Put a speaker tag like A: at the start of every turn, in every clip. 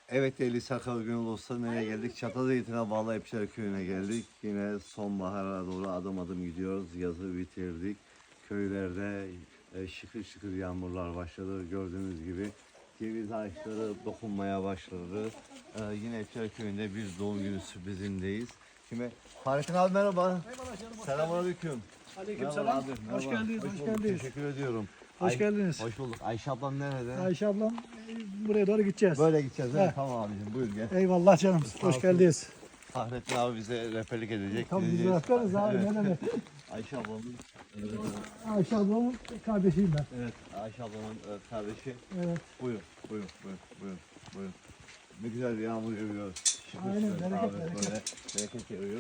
A: Evet değerli Sakal Gönül dostlar, nereye geldik? Çatalzeytin'e bağlı Epçer Köyü'ne geldik. Yine sonbahara doğru adım adım gidiyoruz. Yazı bitirdik. Köylerde şıkır şıkır yağmurlar başladı. Gördüğünüz gibi ceviz ağaçları dokunmaya başladı. Yine Epçer Köyü'nde bir doğum günü sürprizindeyiz. Kime? Fahrettin abi merhaba. Selamünaleyküm.
B: Aleykümselam. Hoş geldiniz. Hoş geldiniz.
A: Teşekkür ediyorum.
B: Hoş geldiniz.
A: Hoş bulduk. Ayşe ablam nerede?
B: Ayşe ablam buraya doğru gideceğiz.
A: Böyle gideceğiz değil mi?
B: He.
A: Tamam abicim, buyur gel.
B: Eyvallah canım. Hoş
A: olsun.
B: geldiniz.
A: Fahrettin abi bize rehberlik edecek.
B: Tabii biz
A: gideceğiz.
B: bırakırız abi.
A: Evet.
B: Ne demek.
A: Ayşe ablamın,
B: Ayşe ablamın kardeşiyim ben.
A: evet Ayşe ablamın kardeşi.
B: Evet.
A: Buyurun. Ne güzel bir yağmur yağıyor. Şıkır
B: Aynen,
A: şıkır
B: bereket,
A: abi,
B: bereket.
A: böyle bereket yağıyor.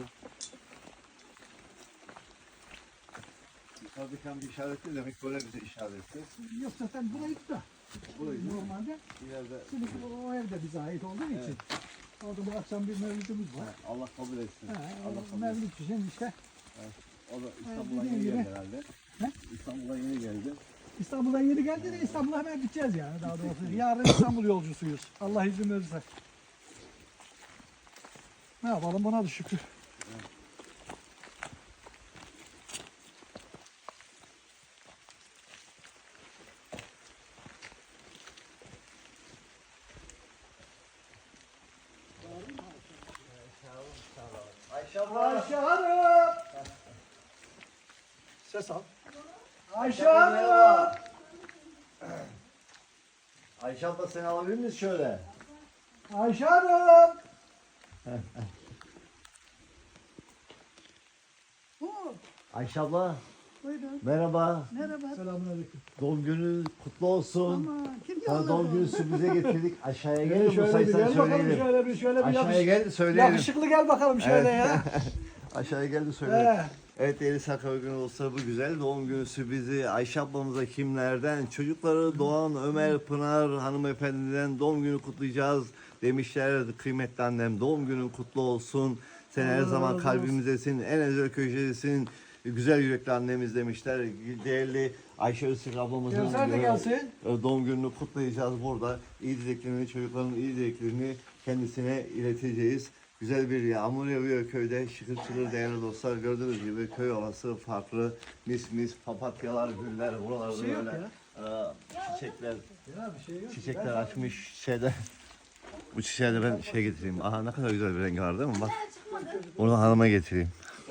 A: Yukarıdaki bir işaretli demek, böyle bize işaretli.
B: Yok zaten burayı da.
A: Burayı
B: Normalde.
A: ileride
B: Şimdi o evde bize ait olduğu için. Orada bu akşam bir mevlütümüz var.
A: Allah kabul etsin.
B: Ha,
A: Allah
B: o
A: kabul etsin.
B: mevlüt için işte
A: O da İstanbul'a
B: dediğim
A: yeni
B: gibi.
A: geldi herhalde.
B: He?
A: İstanbul'a yeni geldi.
B: İstanbul'dan yeni geldi de İstanbul'a hemen gideceğiz yani daha doğrusu. Yarın İstanbul yolcusuyuz. Allah izin verirse. Ne yapalım, buna da şükür.
A: Ayşe abla.
B: Ayşe Hanım! Ses al. Ayşe Hanım!
A: Ayşe abla, seni alabilir miyiz şöyle?
B: Ayşe Hanım!
A: Ayşe abla
C: Buyurun.
A: merhaba.
C: Merhaba.
B: Selamünaleyküm.
A: Doğum günün kutlu olsun.
C: Aman kim
A: Sana doğum günü
C: yolladı?
A: sürprize getirdik. Aşağıya gel de bu
B: Şöyle bir
A: sayısını
B: gel bakalım,
A: söyleyelim.
B: şöyle bir
A: Aşağıya gel de söyleyelim.
B: yakışıklı gel bakalım şöyle ya.
A: Aşağıya gel de söyleyelim.
B: He.
A: Evet değerli Sakal Gönül olsa bu güzel doğum günü sürprizi Ayşe ablamıza kimlerden? Çocukları Doğan, Ömer, Pınar hanımefendiden doğum günü kutlayacağız demişler. Kıymetli annem, doğum günün kutlu olsun. Sen her
B: Allah
A: zaman
B: razı olsun.
A: kalbimizdesin, en özel köşedesin. Güzel yürekli annemiz demişler. Değerli Ayşe Öztürk ablamızın
B: Gelsen de gelsin.
A: doğum gününü kutlayacağız burada. İyi dileklerini, çocukların iyi dileklerini kendisine ileteceğiz. Güzel bir yağmur yağıyor köyde. Şıkır şıkır değerli dostlar. Gördüğünüz gibi köy havası farklı. Mis mis papatyalar, güller. Buralarda
B: Bir şey yok
A: böyle çiçekler,
B: Ya bir şey yok.
A: çiçekler açmış şeyde. Bu çiçeğe de ben şey getireyim. Aha ne kadar güzel bir rengi var değil mi? Bak. Onu hanıma getireyim.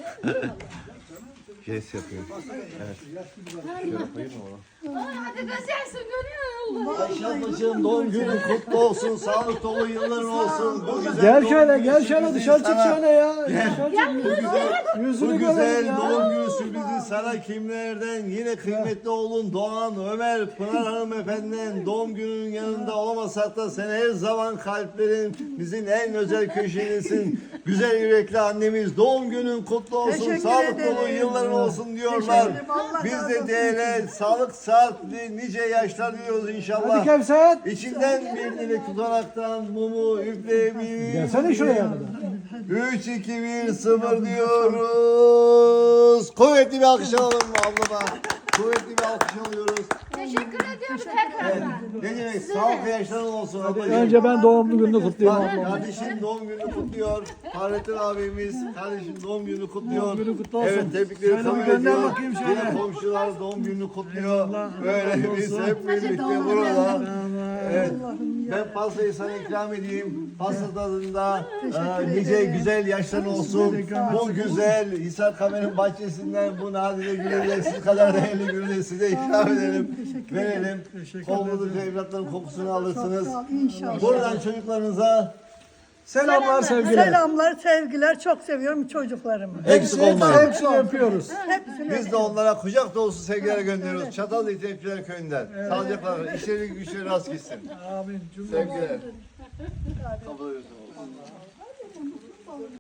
A: Jest yapıyor. Evet. Şöyle koyayım mı onu?
D: Hadi gözlersin görüyor musun?
A: Ayşe ablacığım doğum günün kutlu olsun. Sağlık dolu yılların olsun. Bu güzel
B: Gel
A: doğum
B: şöyle,
A: günü
B: gel şöyle
A: sürprizi
B: dışarı çık
A: sana-
B: şöyle ya. Dışarı çık.
A: Bu
B: Yüzünü
A: güzel
B: görelim ya.
A: doğum günü sürprizi sana kimlerden? Yine kıymetli oğlun Doğan, Ömer, Pınar hanımefendiden doğum gününün yanında olamasak da sen her zaman kalplerimizin en özel köşedesin. Güzel yürekli annemiz, doğum günün kutlu olsun,
C: Teşekkür
A: sağlık dolu
C: ederim.
A: yılların olsun diyorlar.
C: Teşekkür ederim. Allah
A: Biz
C: razı
A: de
C: olsun.
A: değerli, sağlık, saatli, nice yaşlar diliyoruz
B: Hadi
A: inşallah.
B: Kevser.
A: İçinden bir dilek tutaraktan mumu üfleyebiliriz.
B: Gelsene şuraya kadar.
A: 3, 2, 1, 0 diyoruz. Kuvvetli bir alkış alalım ablama. Kuvvetli bir alkış alıyoruz.
D: Teşekkür ediyoruz tekrardan.
A: Ne demek? Sağlıklı yaşların olsun ablacığım.
B: Önce ben doğum gününü kutlayayım
A: Bak,
B: ablam.
A: kardeşim doğum gününü kutluyor. Fahrettin abimiz kardeşim doğum gününü kutluyor.
B: Doğum günü kutlu olsun.
A: Evet, tebrikleri
B: Şöyle
A: kabul
B: bir gönder
A: ediyor.
B: bakayım şöyle.
A: Yine komşular doğum gününü kutluyor. Böyle
B: razı
A: biz
B: olsun.
A: hep birlikte burada. Evet. Ben pastayı sana ikram edeyim. Pasta tadında nice güzel yaşların olsun. Bu güzel Hisar Kamer'in bahçesinden bu nadide gülleri siz kadar değerli gülleri size ikram edelim. Verelim. Kovulduğunuz evlatların kokusunu alırsınız.
C: Sağ ol, İnşallah.
A: Buradan çocuklarınıza
B: Selamlar, sevgiler.
C: Selamlar, sevgiler. Çok seviyorum çocuklarımı.
A: eksik olmayın.
B: Hepsini öpüyoruz.
C: Hepsini
A: Biz de onlara kucak dolusu sevgiler gönderiyoruz. Çatalhöyük Tepkiler Köyü'nden. Sağlıcakla kalın. İşleri güçleri rast gitsin.
B: Amin. Cümle.
A: Sevgiler. Kabul ediyorsunuz.